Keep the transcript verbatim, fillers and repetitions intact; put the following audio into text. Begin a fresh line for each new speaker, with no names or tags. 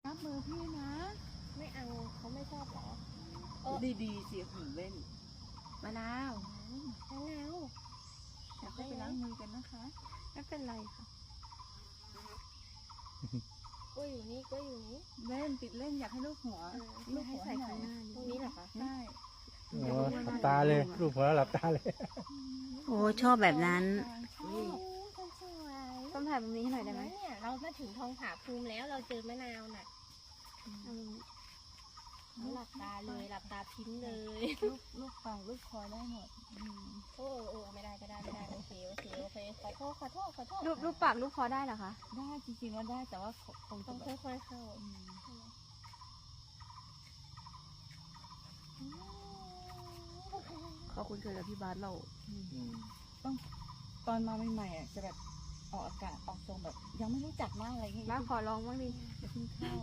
รับมือพี่นะ
ไม่เอาเขาไม่ชอบหรอ
ดีๆสิหืนเล่นมะนาว
มะนาว
อยากให้ไปล้างมือกันนะคะไม่เป็นไรค่ะ
กล้วยอยู่นี่กล้วยอยู่นี่
เล่นติดเล่นอยากให้ลูกหัว
เออ
ลูกหัวให้หน่อย
ตรงนี้เหรอคะ
ได้
โอ้หลับตาเลยรูปหัวหลับตาเลย
โอ้ชอบแบบนั้น
ชอบ
คนสวย
ต้องถ่ายตรงนี้ให้หน่อยได้ไหม
เนี่ยเรามาถึงทองผาภูมิแล้วเราเจอมะนาวน่ะเราหลับตาเลยหลับตาพิ้งเลย
ลูกลูกฟังลูกคอยได้หมดอืม
โอ้โอ้ไม่ได้ไม่ได้ไม่ได้โอเคโอเคโอเคขอโทษขอโทษขอโทษ
รูปรูปปากรูปคอได้เหรอคะ
ได้จริงๆว่าได้แต่ว่าคง
ต้
จะ
อง
แบบ
ค่อยๆเข้า
อืม
ขอบคุณเกิดกับพี่บาสเรา
ต้องตอนมาใหม่ๆอ่ะจะแบบออกอากาศออกทรงแบบ ยังไม่รู้จักมากอะไรอย่างเงี้ย
บ้าขอร้องบ้างดิ
จะเพิ่งเข้า